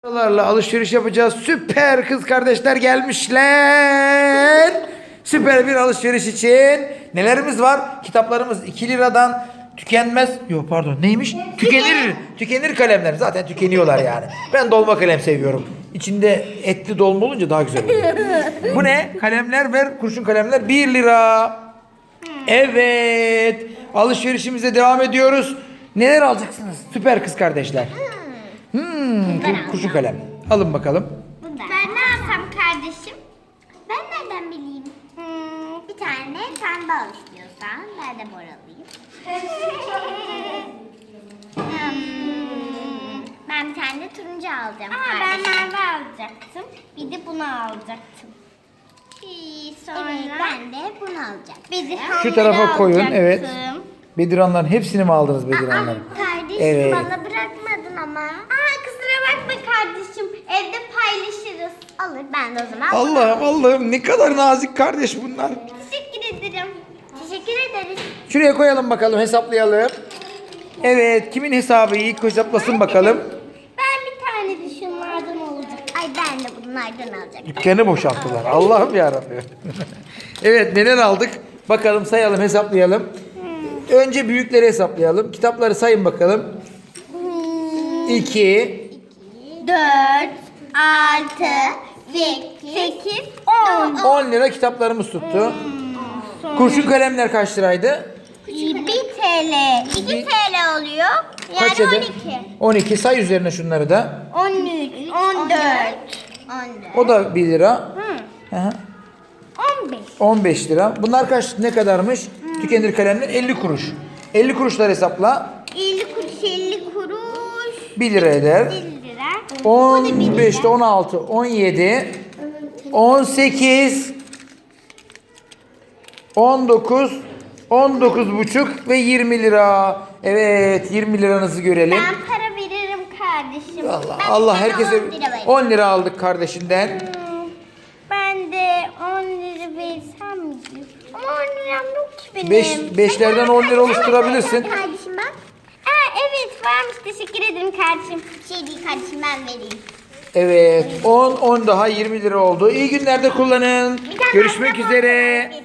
Paralarla alışveriş yapacağız. Süper kız kardeşler gelmişler. Süper bir alışveriş için nelerimiz var? Kitaplarımız 2 liradan tükenmez. Yok pardon neymiş? Tükenir kalemler. Zaten tükeniyorlar yani. Ben dolma kalem seviyorum. İçinde etli dolma olunca daha güzel oluyor. Bu ne? Kalemler ver. Kurşun kalemler 1 lira. Evet. Alışverişimize devam ediyoruz. Neler alacaksınız? Süper kız kardeşler. Kurşun kalem. Alın bakalım. Ben ne alsam kardeşim? Ben nereden bileyim? Bir tane pembe al istiyorsan. Ben de mor alayım. Ben bir tane de turuncu alacağım. Ben mavi alacaktım. Bir de bunu alacaktım. Sonra evet, ben de bunu alacaktım. Şu tarafa koyun. Evet. Bediranların hepsini mi aldınız Bediranların? Kardeşim Evet. bana bırakmadın ama. Kusura bakma kardeşim. Evde paylaşırız. Alır ben de o zaman. Allah'ım ne kadar nazik kardeş bunlar. Teşekkür ederim. Teşekkür ederiz. Şuraya koyalım bakalım, hesaplayalım. Evet, kimin hesabı iyi hesaplasın bakalım. Ben bir tane de şunlardan olacak. Ay ben de bunlardan alacaktım. Dükkanı boşalttılar. Allah'ım yarabbim. Evet, neler aldık? Bakalım sayalım, hesaplayalım. Önce büyükleri hesaplayalım. Kitapları sayın bakalım. 2 4, 6, 8, 10. 10 lira kitaplarımız tuttu. Kurşun kalemler kaç liraydı? 1 TL. 2 TL oluyor. Yani Kaç eder? 12. 12. Say üzerine şunları da. 13, 14. O da 1 lira. Hı. 15. 15 lira. Bunlar ne kadarmış? Tükenir kalemler 50 kuruş. 50 kuruşlar hesapla. 50 kuruş, 50 kuruş. 1 lira eder. 1 lira. 15'te 16, 17, 18, 19, 19 buçuk ve 20 lira. Evet, 20 liranızı görelim. Ben para veririm kardeşim. Allah herkese 10 lira veririm. 10 lira aldık kardeşinden. Ben de 10 lira versem mi? Ama 10 liram yok ki benim. 5'lerden 10 lira oluşturabilirsin. Kardeşim bak. Evet varmış, teşekkür ederim kardeşim. Şey değil kardeşim, ben vereyim. Evet, 10 daha 20 lira oldu. İyi günlerde kullanın. Görüşmek üzere.